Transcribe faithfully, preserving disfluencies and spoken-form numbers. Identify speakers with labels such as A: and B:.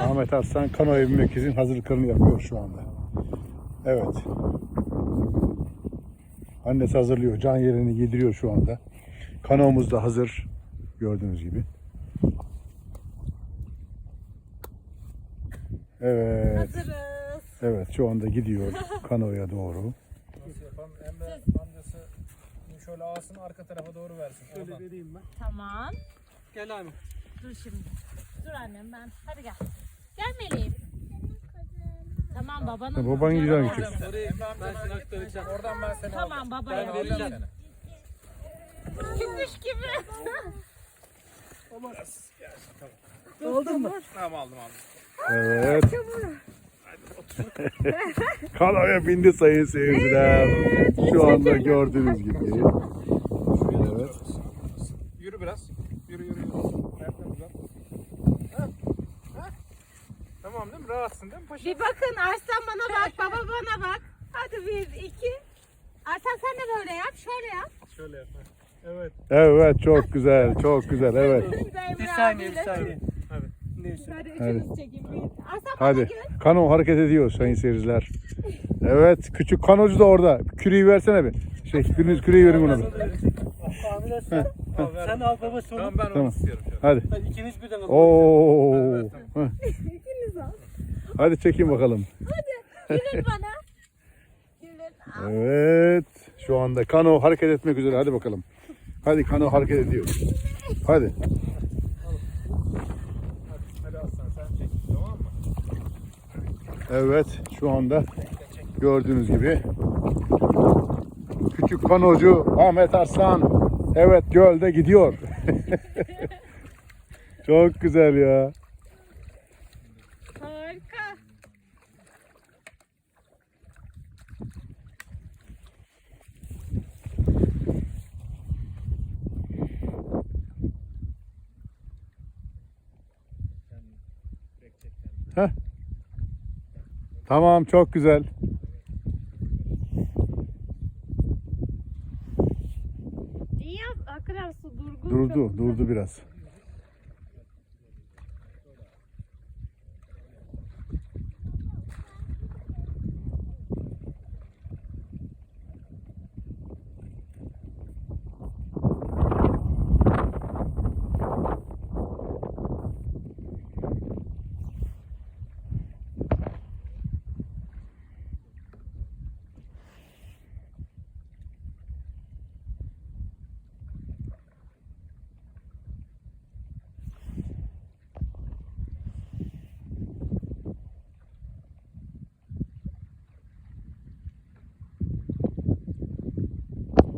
A: Ahmet Arslan kanoya binmek için hazırlıklarını yapıyor şu anda. Evet. Annesi hazırlıyor. Can yerini yediriyor şu anda. Kanoğumuz da hazır. Gördüğünüz gibi. Evet.
B: Hazırız.
A: Evet, şu anda gidiyor kanoya doğru.
C: Nasıl yapalım? Emre amcası şöyle ağasını arka tarafa doğru versin. Şöyle vereyim ben.
B: Tamam.
C: Gel abi.
B: Dur şimdi. Dur annem ben. Hadi gel. Gel Meleğim. Tamam babanın.
A: Ha, baban güzel
B: Canım.
A: gidiyor.
C: Orayı ben seni aktaracağım. Oradan ben seni
B: Tamam
C: alacağım.
B: babaya.
C: Ben vereceğim seni.
B: Gümüş gibi.
C: Aldın mı? Tamam aldım aldım.
A: Evet. Kanoya bindi sayın seyirciler. Şu anda gördüğünüz gibi. Evet.
C: Yürü biraz. Yürü yürü yürü. Ayaklarını uzat. Ha? Ha? Tamam değil mi? Rahatsın değil mi paşa?
B: Bir bakın Arslan bana bak, baba bana bak. Hadi bir, iki. Arslan sen de böyle yap, şöyle yap.
C: Şöyle yap. ha. Evet.
A: Evet, çok güzel, çok güzel. Evet.
B: Bir saniye, bir saniye.
C: Hadi.
B: Hadi
A: Hadi.
B: üçünüz çekin. Bir. Arslan bana
A: Hadi.
B: gül.
A: Kano hareket ediyor sayın seyirciler. Evet, küçük kanocu da orada. Küreği versene bir. Şey, biriniz küreği verin ona bir.
C: Al, ver.
D: Sen al babası onu.
C: Tamam ben onu
A: Tamam.
C: istiyorum. Şöyle.
A: Hadi.
D: Hadi ikiniz birden alın.
A: Oo.
C: Evet,
A: Heh.
B: İkiniz al.
A: Hadi çekin bakalım.
B: Gülün bana. Gülün. Al.
A: Evet. Şu anda kano hareket etmek üzere. Hadi bakalım. Hadi kano hareket ediyor. Hadi.
C: Hadi Aslan sen çek. Tamam mı?
A: Evet. Şu anda gördüğünüz gibi küçük kanocu Ahmet Arslan evet gölde gidiyor. Çok güzel ya.
B: Harika.
A: Heh. Tamam, çok güzel.
B: İyi yap. Hakikaten su durgun.
A: Durdu, durdu biraz.